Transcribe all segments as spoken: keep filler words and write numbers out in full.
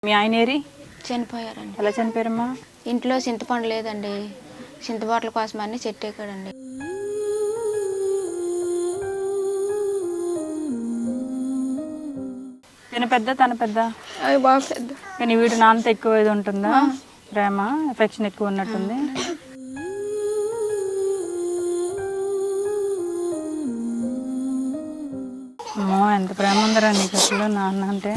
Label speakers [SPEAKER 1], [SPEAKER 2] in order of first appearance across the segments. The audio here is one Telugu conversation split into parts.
[SPEAKER 1] మీ ఆయన ఏరి
[SPEAKER 2] చనిపోయారండి.
[SPEAKER 1] ఎలా చనిపోయారమ్మా?
[SPEAKER 2] ఇంట్లో చింతపండు లేదండి, చింతబాటల కోసం అన్ని చెట్టు ఎక్కాడండి.
[SPEAKER 1] తిన పెద్ద తన పెద్ద
[SPEAKER 2] అవి బాగా పెద్ద.
[SPEAKER 1] కానీ వీడు నాన్నతో ఎక్కువ ఇది ఉంటుందా? ప్రేమ ఎఫెక్షన్ ఎక్కువ ఉన్నట్టుంది. అమ్మో ఎంత ప్రేమ ఉందరా నీకు అసలు నాన్న అంటే.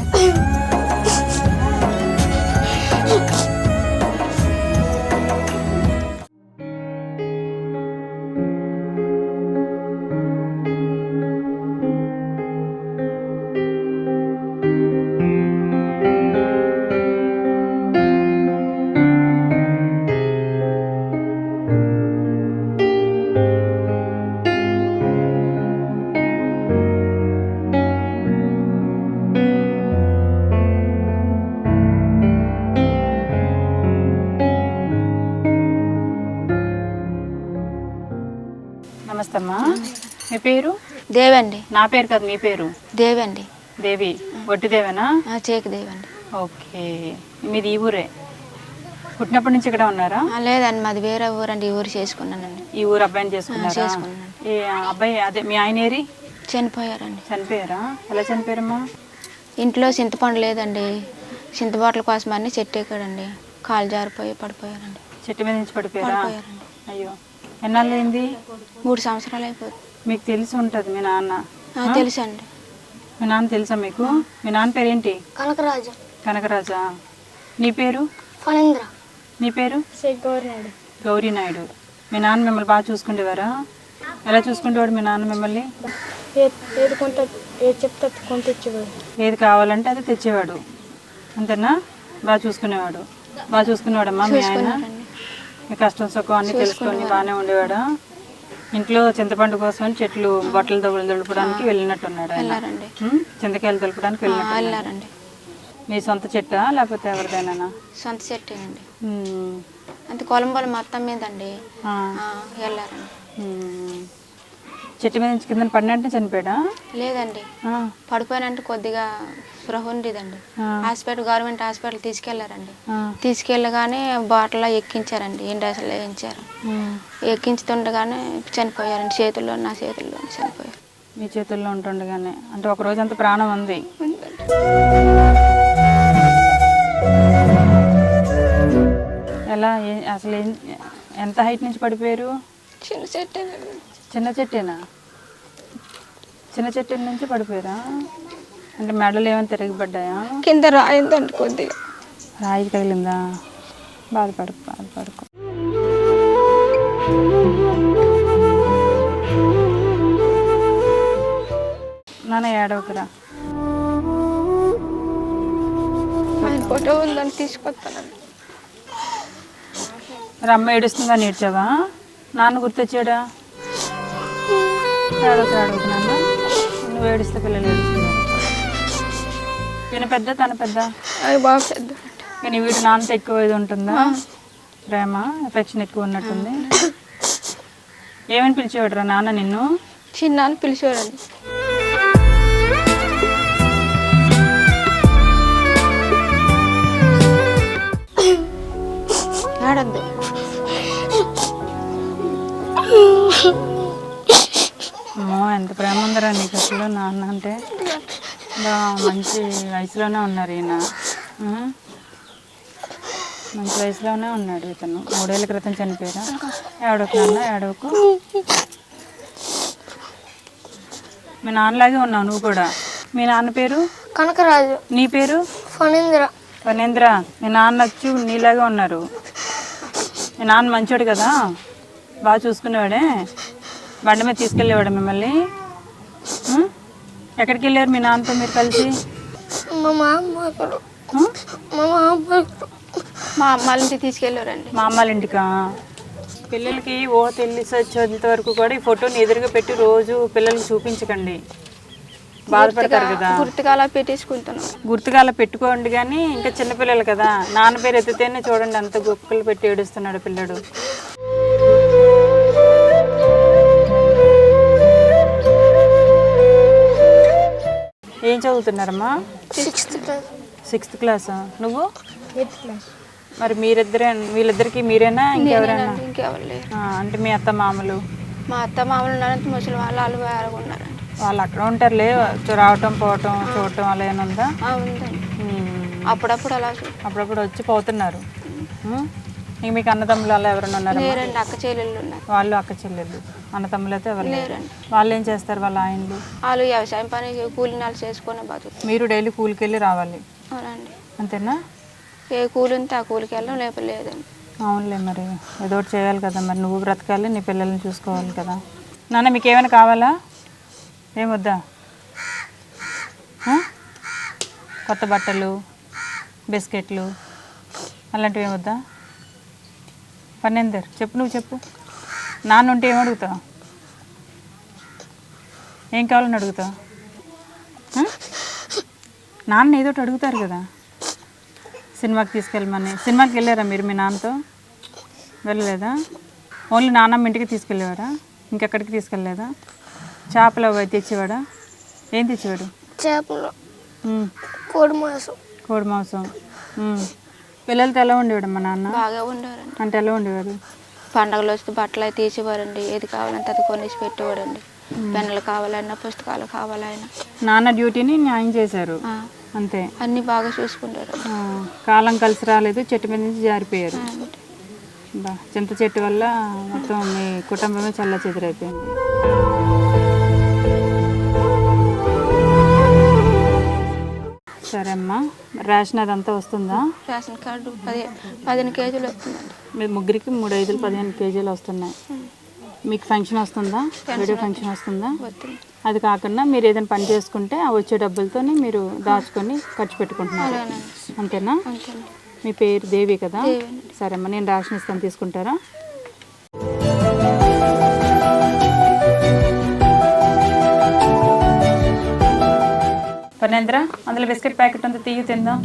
[SPEAKER 1] నమస్తే అమ్మా. మీ పేరు?
[SPEAKER 2] దేవండి.
[SPEAKER 1] నా పేరు కాదు, మీ పేరు?
[SPEAKER 2] దేవండి.
[SPEAKER 1] దేవి. వట్టి దేవేనా?
[SPEAKER 2] చేకి దేవండి.
[SPEAKER 1] ఓకే. మీది ఈ ఊరే? పుట్టినప్పటి నుంచి ఇక్కడ ఉన్నారా?
[SPEAKER 2] లేదండి, మాది వేరే ఊరండి. ఈ ఊరు చేసుకున్నానండి.
[SPEAKER 1] ఈ ఊరు అబ్బాయిని చేసుకున్నారా?
[SPEAKER 2] చేసుకున్నాను.
[SPEAKER 1] ఈ అబ్బాయి అదే మీ ఆయన ఏరి
[SPEAKER 2] చనిపోయారండి.
[SPEAKER 1] చనిపోయారా? ఎలా చనిపోయారమ్మా?
[SPEAKER 2] ఇంట్లో చింతపండు లేదండి, చింతబాటల కోసం అన్ని చెట్టు ఎక్కాడండి. కాలు జారిపోయి పడిపోయారండి.
[SPEAKER 1] చెట్టు మీద నుంచి పడిపోయారా?
[SPEAKER 2] పడిపోయారండి.
[SPEAKER 1] అయ్యో, ఎన్నాళ్ళు అయింది?
[SPEAKER 2] మూడు సంవత్సరాలు అయిపోతుంది.
[SPEAKER 1] మీకు తెలిసి ఉంటుంది మీ నాన్న?
[SPEAKER 2] తెలుసు అండి.
[SPEAKER 1] మీ నాన్న తెలుసా మీకు? మీ నాన్న పేరేంటి?
[SPEAKER 2] కనకరాజు.
[SPEAKER 1] కనకరాజా. నీ పేరు?
[SPEAKER 2] ఫణేంద్ర.
[SPEAKER 1] నీ పేరు?
[SPEAKER 2] గౌరీనాయుడు.
[SPEAKER 1] గౌరీనాయుడు. మీ నాన్న మిమ్మల్ని బాగా చూసుకుంటేవారా? ఎలా చూసుకుంటేవాడు మీ నాన్న మిమ్మల్ని?
[SPEAKER 2] ఏది కొంత ఏది చెప్తే కొంత తెచ్చేవాడు.
[SPEAKER 1] ఏది కావాలంటే అది తెచ్చేవాడు, అంతేనా? బాగా చూసుకునేవాడు. బాగా చూసుకునేవాడమ్మా మీ ఆయన? మీ కష్టం సుఖం అన్నీ తెలుసుకొని బాగానే ఉండేవాడా? ఇంట్లో చింతపండు కోసం చెట్లు బట్టలు దొబ్బలు దులపడానికి వెళ్ళినట్టున్నాడు ఆయన. చింతకాయలు దులపడానికి వెళ్ళినట్టు. మీ సొంత చెట్టా లేకపోతే ఎవరిదైనా?
[SPEAKER 2] సొంత చెట్టేనండి. అంతే కొలంబోలు మొత్తం మీద అండి వెళ్ళారండి.
[SPEAKER 1] చెట్టు మీద నుంచి కింద పడినట్టు చనిపోయాడా?
[SPEAKER 2] లేదండి, పడిపోయినంటే కొద్దిగా స్పృహ ఉండేదండి. హాస్పిటల్, గవర్నమెంట్ హాస్పిటల్ తీసుకెళ్లారండి. తీసుకెళ్ళగానే బాటలో ఎక్కించారండి, ఇండస్లో వేయించారు. ఎక్కించుతుండగానే చనిపోయారండి. చేతుల్లో, నా చేతుల్లో చనిపోయారు.
[SPEAKER 1] మీ చేతుల్లో ఉంటుండగానే? అంటే ఒక రోజు అంత ప్రాణం ఉంది. ఎలా అసలు ఎంత హైట్ నుంచి పడిపోయారు?
[SPEAKER 2] చిన్న చెట్టేనండి.
[SPEAKER 1] చిన్న చెట్టేనా? చిన్న చెట్టు నుంచి పడిపోయారా? అంటే మెడలు ఏమైనా తిరగబడ్డాయా?
[SPEAKER 2] కింద రాయిందండి, కొద్దిగా
[SPEAKER 1] రాయి తగిలిందా? బాధపడకు బాధపడకు. నాన్న ఏడవకురా.
[SPEAKER 2] ఫోటో ఉందని తీసుకొస్తానండి.
[SPEAKER 1] అమ్మ ఏడుస్తుందా? నేర్చావా? నాన్న గుర్తొచ్చాడా? ఏడవకు ఏడవకు నాన్న. నువ్వు ఏడిస్తే పిల్లలు ఏడుస్తున్నారు. తిన పెద్ద తన పెద్ద?
[SPEAKER 2] అవి బాగా పెద్ద.
[SPEAKER 1] కానీ వీడు నాన్నతో ఎక్కువ ఇది ఉంటుందా? ప్రేమ ఎఫెక్షన్ ఎక్కువ ఉన్నట్టుంది. ఏమని పిలిచేవాడు రా నాన్న నిన్ను?
[SPEAKER 2] చిన్న అని పిలిచేవాడండి. ఆడద్దు.
[SPEAKER 1] అమ్మో ఎంత ప్రేమ ఉందరా నీకు అసలు నాన్న అంటే. బా మంచి వయసులోనే ఉన్నారు ఈయన. మంచి వయసులోనే ఉన్నాడు ఇతను. మూడేళ్ళ క్రితం చనిపోయారా? ఏడవకు నాన్న ఏడవకు. మీ నాన్నలాగే ఉన్నావు నువ్వు కూడా. మీ నాన్న పేరు?
[SPEAKER 2] కనకరాజు.
[SPEAKER 1] నీ పేరు?
[SPEAKER 2] ఫణేంద్ర.
[SPEAKER 1] ఫణేంద్ర. మీ నాన్న వచ్చి నీలాగే ఉన్నారు. మీ నాన్న మంచోడు కదా, బాగా చూసుకునేవాడే. బండి మీద తీసుకెళ్ళేవాడు మిమ్మల్ని. ఎక్కడికి వెళ్ళారు మీ నాన్నతో మీరు కలిసి?
[SPEAKER 2] మా అమ్మాళ్ళ ఇంటికి తీసుకెళ్ళారండి.
[SPEAKER 1] మా అమ్మాళ్ళ ఇంటికా? పిల్లలకి ఓ తెలిసి వచ్చేంత వరకు కూడా ఈ ఫోటోని ఎదురుగా పెట్టి రోజు పిల్లలకి చూపించకండి, బాధపడతారు కదా.
[SPEAKER 2] గుర్తుగా అలా పెట్టేసుకుంటున్నాం.
[SPEAKER 1] గుర్తుగా అలా పెట్టుకోండి. కానీ ఇంకా చిన్నపిల్లలు కదా, నాన్న పేరు ఎత్తితేనే చూడండి అంత గొప్పలు పెట్టి ఏడుస్తున్నాడు పిల్లడు. ఏం చదువుతున్నారమ్మా?
[SPEAKER 2] Sixth class.
[SPEAKER 1] సిక్స్త్ క్లాసా? నువ్వు
[SPEAKER 3] ఎయిత్ క్లాస్.
[SPEAKER 1] మరి మీరిద్దరే, వీళ్ళిద్దరికి మీరేనా ఇంకెవరైనా?
[SPEAKER 2] నేనేనండి, ఇంకెవరు లేరు.
[SPEAKER 1] ఆ, అంటే మీ అత్త మామలు?
[SPEAKER 2] మా అత్త మామూలు ఉన్నారంటే ముసలి వాళ్ళు వాళ్ళు వేరే ఉన్నారండి.
[SPEAKER 1] వాళ్ళు అక్కడ ఉంటారులే, రావటం పోవటం చూడటం అలా ఏమైనా ఉందా?
[SPEAKER 2] ఆ, ఉందండి.
[SPEAKER 1] ఉమ్.
[SPEAKER 2] అప్పుడప్పుడు అలా చూ
[SPEAKER 1] అప్పుడప్పుడు వచ్చి పోతున్నారు. ఉమ్. ఇంక మీకు అన్నదమ్ములు అలా ఎవరైనా ఉన్నారా?
[SPEAKER 2] లేరండి, అక్క చెల్లెళ్ళు ఉన్నారు.
[SPEAKER 1] వాళ్ళు అక్క చెల్లెళ్ళు, అన్నతమ్ములు అయితే ఎవరు లేరు.
[SPEAKER 2] లేరండి.
[SPEAKER 1] వాళ్ళు ఏం చేస్తారు వాళ్ళ ఆయనలు?
[SPEAKER 2] వాళ్ళు వ్యవసాయం పని కూలి నాలు చేసుకొని బతుకు.
[SPEAKER 1] మీరు డైలీ కూలికి వెళ్ళి రావాలి
[SPEAKER 2] అవునండి.
[SPEAKER 1] అంతేనా?
[SPEAKER 2] ఏ కూలి ఉంటే ఆ కూలికి వెళ్ళడం లేకపోతే లేదండి.
[SPEAKER 1] అవునులే, మరి ఏదో ఒకటి చేయాలి కదా, మరి నువ్వు బ్రతకాలి, నీ పిల్లల్ని చూసుకోవాలి కదా. నాన్న మీకు ఏమైనా కావాలా? ఏమొద్దా? ఆ? కొత్త బట్టలు, బిస్కెట్లు అలాంటివి ఏమొద్దా? పన్నెందరు చెప్పు, నువ్వు చెప్పు. నాన్న ఉంటే ఏం అడుగుతావు? ఏం కావాలని అడుగుతావు? ఆ? నాన్న ఏదో ఒకటి అడుగుతారు కదా, సినిమాకి తీసుకెళ్ళమని. సినిమాకి వెళ్ళారా మీరు మీ నాన్నతో? వెళ్ళలేదా? ఓన్లీ నాన్నమ్మ ఇంటికి తీసుకెళ్ళేవారా? ఇంకెక్కడికి తీసుకెళ్ళలేదా? చేపలు అవి తెచ్చేవాడా? ఏం తెచ్చేవాడు?
[SPEAKER 3] చేపలు,
[SPEAKER 1] ఉమ్.
[SPEAKER 3] కోడి మాంసం.
[SPEAKER 1] కోడి మాంసం. ఉమ్. పిల్లలతో ఎలా ఉండేవాడు మా నాన్న?
[SPEAKER 2] బాగా ఉండేవారండి.
[SPEAKER 1] అంటే ఎలా ఉండేవారు?
[SPEAKER 2] పండగలు వస్తే బట్టలు అవి తీసేవారండి, ఏది కావాలంటే అది కొనేసి పెట్టేవాడండి. పెన్నులు కావాలన్నా పుస్తకాలు కావాలన్నా.
[SPEAKER 1] నాన్న డ్యూటీని న్యాయం చేశారు
[SPEAKER 2] ఆ,
[SPEAKER 1] అంతే.
[SPEAKER 2] అన్నీ బాగా చూసుకుంటారు.
[SPEAKER 1] ఆ, కాలం కలిసి రాలేదు, చెట్టు మీద నుంచి జారిపోయారు. బా, చింత చెట్టు వల్ల మొత్తం మీ కుటుంబమే చల్ల చెదిరైపోయింది. సరే అమ్మా, రేషన్ అదంతా వస్తుందా?
[SPEAKER 2] రేషన్ కార్డు పది పదిహేను కేజీలు వస్తుందండి.
[SPEAKER 1] మీ ముగ్గురికి మూడు ఐదులు పదిహేను కేజీలు వస్తున్నాయి. మీకు ఫంక్షన్ వస్తుందా? వీడియో ఫంక్షన్ వస్తుందా?
[SPEAKER 2] వస్తుంది.
[SPEAKER 1] అది కాకుండా మీరు ఏదైనా పని చేసుకుంటే ఆ వచ్చే డబ్బులతోనే మీరు దాచుకొని ఖర్చు పెట్టుకుంటున్నారు అంతేనా?
[SPEAKER 2] అంతేనండి.
[SPEAKER 1] మీ పేరు దేవి కదా?
[SPEAKER 2] దేవేనండి.
[SPEAKER 1] సరే అమ్మా, నేను రేషన్ ఇస్తాను, తీసుకుంటారా? పనేంద్ర, అందులో బిస్కెట్ ప్యాకెట్ అంతా తీగి తిందాం.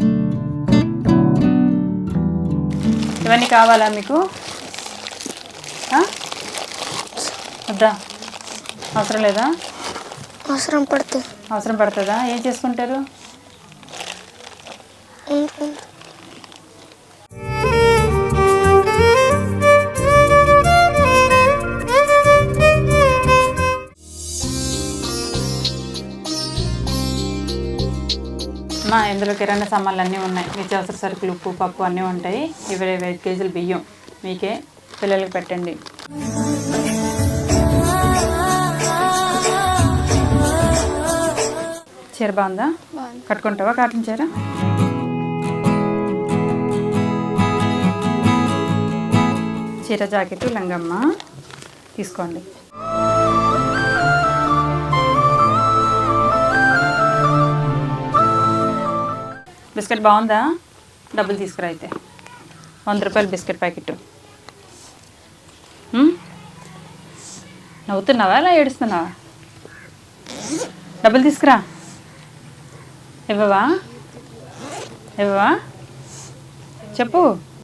[SPEAKER 1] ఇవన్నీ కావాలా మీకు? వద్దా? అవసరం లేదా?
[SPEAKER 3] అవసరం పడుతుంది.
[SPEAKER 1] అవసరం పడుతుందా? ఏం చేసుకుంటారు? మా ఇందులో కిరాణా సామాన్లు అన్నీ ఉన్నాయి, నిత్యావసర సరుకులు, ఉప్పు, పప్పు అన్నీ ఉంటాయి. ఇరవై ఐదు కేజీలు బియ్యం మీకే, పిల్లలకి పెట్టండి. చీర బాగుందా? కట్టుకుంటావా కాటన్ చీర? చీర, జాకెట్, లంగమ్మ తీసుకోండి. బిస్కెట్ బాగుందా? డబ్బులు తీసుకురా అయితే. వంద రూపాయలు బిస్కెట్ ప్యాకెట్. నవ్వుతున్నావా అలా ఏడుస్తున్నావా? డబ్బులు తీసుకురా. ఇవ్వవా? ఇవ్వవా? చెప్పు.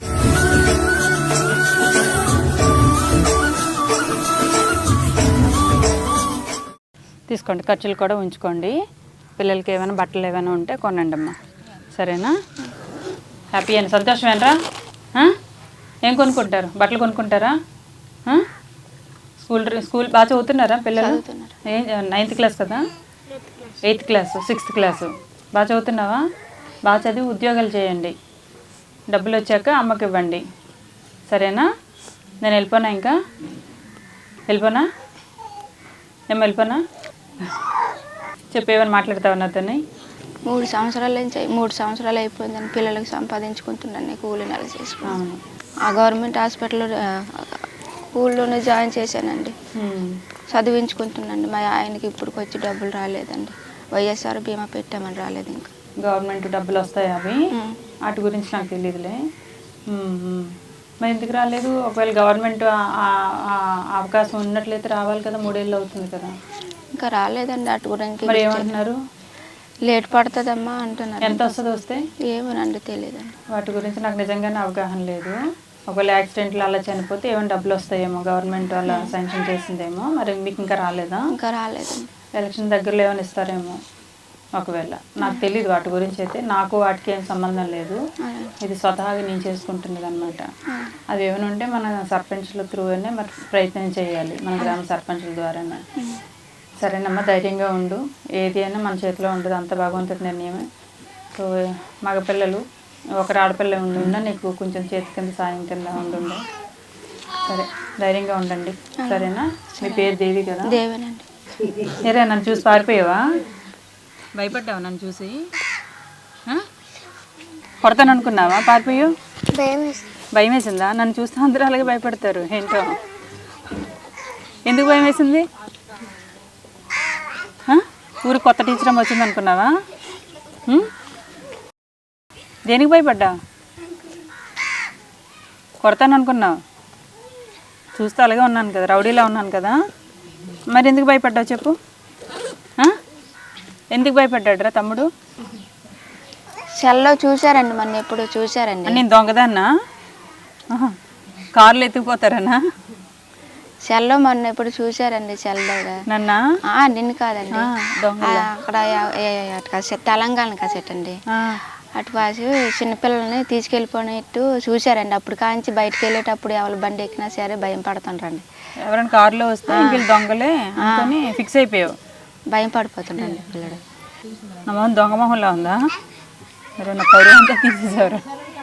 [SPEAKER 1] తీసుకోండి, ఖర్చులు కూడా ఉంచుకోండి. పిల్లలకి ఏమైనా బట్టలు ఏమైనా ఉంటే కొనండి అమ్మా, సరేనా? హ్యాపీ అని సంతోషమేనరా? ఏం కొనుక్కుంటారు? బట్టలు కొనుక్కుంటారా? స్కూల్ స్కూల్ బాగా చదువుతున్నారా పిల్లలు? ఏ నైన్త్ క్లాస్ కదా? Eighth class, sixth class. బాగా చదువుతున్నావా? బాగా చదివి ఉద్యోగాలు చేయండి, డబ్బులు వచ్చాక అమ్మకి ఇవ్వండి, సరేనా? నేను వెళ్ళిపోనా? ఇంకా వెళ్ళిపోనా? ఏం వెళ్ళిపోనా? చెప్పేమని మాట్లాడతావు నాతోని?
[SPEAKER 2] మూడు సంవత్సరాల నుంచి మూడు సంవత్సరాలు అయిపోయిందని పిల్లలకి సంపాదించుకుంటున్నాను, కూలి నెల చేసుకున్నాను. ఆ గవర్నమెంట్ హాస్పిటల్లో స్కూల్లోనే జాయిన్ చేశానండి, చదివించుకుంటున్నాండి. మా ఆయనకి ఇప్పటికి వచ్చి డబ్బులు రాలేదండి, వైఎస్ఆర్ బీమా పెట్టామని రాలేదు. ఇంకా
[SPEAKER 1] గవర్నమెంట్ డబ్బులు వస్తాయి అవి, వాటి గురించి నాకు తెలియదులే. మరి ఎందుకు రాలేదు? ఒకవేళ గవర్నమెంట్ అవకాశం ఉన్నట్లయితే రావాలి కదా, మూడేళ్ళు అవుతుంది కదా.
[SPEAKER 2] ఇంకా రాలేదండి వాటి గురించి.
[SPEAKER 1] మరి ఏమంటున్నారు?
[SPEAKER 2] లేట్ పడుతుందమ్మా అంటున్నారు.
[SPEAKER 1] ఎంత వస్తుంది వస్తే?
[SPEAKER 2] ఏమోనండి తెలియదండి,
[SPEAKER 1] వాటి గురించి నాకు నిజంగానే అవగాహన లేదు. ఒకవేళ యాక్సిడెంట్లు అలా చనిపోతే ఏమైనా డబ్బులు వస్తాయేమో, గవర్నమెంట్ అలా శాంక్షన్ చేసిందేమో. మరి మీకు ఇంకా రాలేదా?
[SPEAKER 2] ఇంకా రాలేదండి.
[SPEAKER 1] ఎలక్షన్ దగ్గరలో ఏమైనా ఇస్తారేమో. ఒకవేళ నాకు తెలియదు వాటి గురించి అయితే, నాకు వాటికి ఏం సంబంధం లేదు. ఇది స్వతహాగా నేను చేసుకుంటున్నది అనమాట. అవి ఏమైనా ఉంటే మన సర్పంచ్ల త్రూ అనే మరి ప్రయత్నం చేయాలి, మన గ్రామ సర్పంచుల ద్వారానే. సరేనమ్మా, ధైర్యంగా ఉండు. ఏది అయినా మన చేతిలో ఉండదు, అంత భగవంతుడి నిర్ణయమే. సో మగపిల్లలు ఒకరు ఆడపిల్ల ఉండుండ నీకు కొంచెం చేతి కింద సాయం కింద ఉండుండే. సరే, ధైర్యంగా ఉండండి. సరేనా? మీ పేరు దేవి కదా?
[SPEAKER 2] దేవేనండి.
[SPEAKER 1] సరే, నన్ను చూసి పారిపోయావా? భయపడ్డావా నన్ను చూసి? కొడతాను అనుకున్నావా? పారిపోయావు?
[SPEAKER 3] భయం వేసింది.
[SPEAKER 1] భయం వేసిందా? నన్ను చూస్తే అందరూ అలాగే భయపడతారు. ఏంటో, ఎందుకు భయం వేసింది? ఊరికి కొత్త టీచర్ అమ్మ వచ్చింది అనుకున్నావా? దేనికి భయపడ్డా? కొడతాను అనుకున్నావు? చూస్తే అలాగే ఉన్నాను కదా, రౌడీలా ఉన్నాను కదా. మరి ఎందుకు భయపడ్డావు చెప్పు? ఎందుకు భయపడ్డాడురా తమ్ముడు?
[SPEAKER 2] సెల్లో చూసారండి, మొన్న ఎప్పుడు చూసారండి.
[SPEAKER 1] నేను దొంగదాన్నా? కార్లు ఎత్తుకుపోతారనా?
[SPEAKER 2] సెల్లో మొన్న ఎప్పుడు చూసారండి. సెల్లో
[SPEAKER 1] నన్నా?
[SPEAKER 2] నిన్ను కాదండి, అక్కడ అటు తెలంగాణ కాసేట్ అండి. అటు పాసి చిన్నపిల్లల్ని తీసుకెళ్ళిపోయినట్టు చూసారండి. అప్పుడు కాంచి బయటకు వెళ్ళేటప్పుడు ఎవరు బండి ఎక్కినా సరే భయం పడుతుండ్రండి.
[SPEAKER 1] ఎవరైనా కారులో వస్తే వీళ్ళు దొంగలే అనుకొని ఫిక్స్ అయిపోయావు?
[SPEAKER 2] భయం పడిపోతుండ్రండి పిల్లడు.
[SPEAKER 1] నా మొహం దొంగ మొహంలో ఉందా? మరి నా పౌరు అంతా తీసేసారు.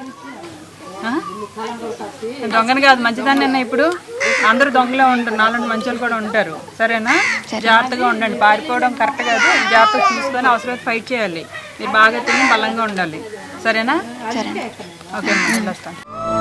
[SPEAKER 1] దొంగని కాదు, మంచిదాన్ని అన్న. ఇప్పుడు అందరూ దొంగలే ఉంటారు, నాలుగు మంచి వాళ్ళు కూడా ఉంటారు. సరేనా? జాగ్రత్తగా ఉండండి. పారిపోవడం కరెక్ట్ కాదు, జాగ్రత్తగా చూసుకొని అవసరమైతే ఫైట్ చేయాలి. మీరు బాగా తిని బలంగా ఉండాలి. సరేనా?
[SPEAKER 2] సరే.
[SPEAKER 1] ఓకే, వెళ్ళొస్తాను.